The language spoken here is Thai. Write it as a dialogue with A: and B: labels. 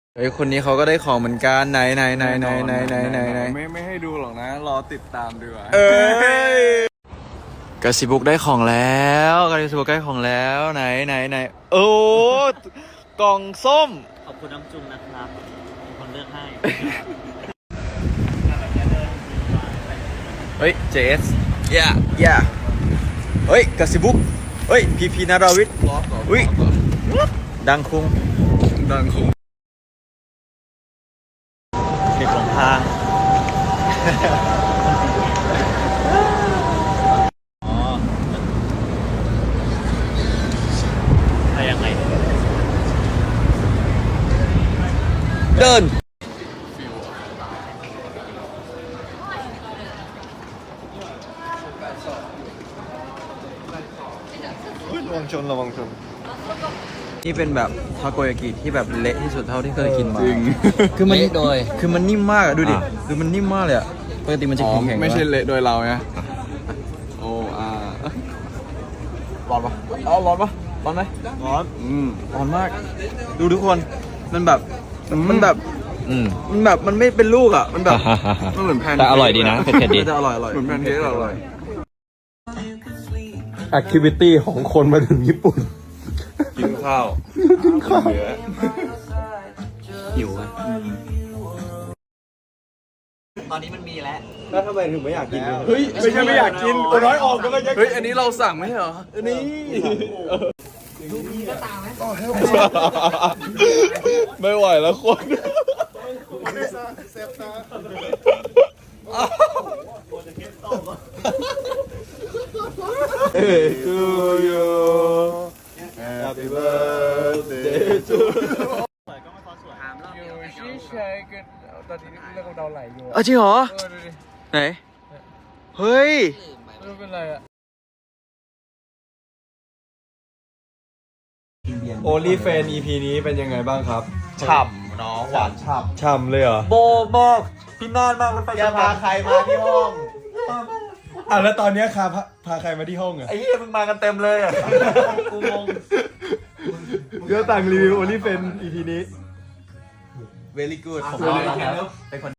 A: เฮ้ยคนนี้เขาก็ได้ของเหมือนกันไหน
B: ไม่ให้ดูหรอกนะรอติดตามดีกว่า
A: เอ้ยกาซิบุกได้ของแล้วกาซิบุกได้ของแล้วไหนโอ้กล่องส้ม
C: ขอบคุณน้ำจุ่มนะครับเป็นคนเลือกให้
A: เฮ้ยเจสย่าเฮ้ยกาซิบุกเฮ้ยพีนาราวิทย์อุ้ยดังคุง
C: เด็กหลงทาง อ๋ออะไรยังไง
A: เดินระวังชนนี่เป็นแบบทาโกยากิที่แบบเละที่สุดเท่าที่เคยกินมา
B: จริง
A: คือมัน
C: เละโดย
A: คือมันนิ่มมากอะดูดิคือมันนิ่มมากเลยอะปกติมันจะแข็งๆ
B: ไม่ใช่
A: ปะ
B: เละโดยเราไงโอ้ร้อนปะร้อนไหม
A: ร้อน
B: ร้อนมาก
A: ดูทุกคนมันแบบมันไม่เป็นลูกอะมันแบบ
B: มันเหมือนแพน
C: แต่อร่อยดีนะเผ็ดๆดี
A: มันจะอร่อย
B: เหมือนแพนเค้กอร่อย
D: แอคทิวิตี้ของคนมาถึงญี่ปุ่น
B: กินข้าวเหลือ
C: หิวอ่ะตอนนี้มันมีแล้ว
D: แล้วทำไมถึงไม่อยากกิน
B: เฮ้ยไม่ใช่ไม่อยากกินโอ้น้อยออกก็ไม่ใช่เฮ้ยอันนี้เราสั่งไม่ใช่เหรอนี่ไม่ไหวแล้วคนto you Happy birthday to you ตอนนี้เรื่องเราไหลอยู่
A: จริงเหรอ
B: ดูดิ
A: ไหนเฮ้ย
B: ไม่เป็นไรอะ
D: โอลี่เฟน EP นี้เป็นยังไงบ้างครับ
A: ฉ่ำน้องหวานฉ่
D: ฉ่ำเลยเหรอ
A: ำโบบอกพี่นานมากมันไปจะพาใครมาที่ห้อง
D: อ่ะแล้วตอนเนี้ยพาใครมาที่ห้องอ่ะ
A: ไอ้เหี้ยมึงมากันเต็มเลยอ่ะกูงง
D: เดี๋ยวต่างรีวิวโอลี่เฟน EP นี้
A: very good ผม
D: เอา
A: ว่า
D: แล้ว
A: เป็นคน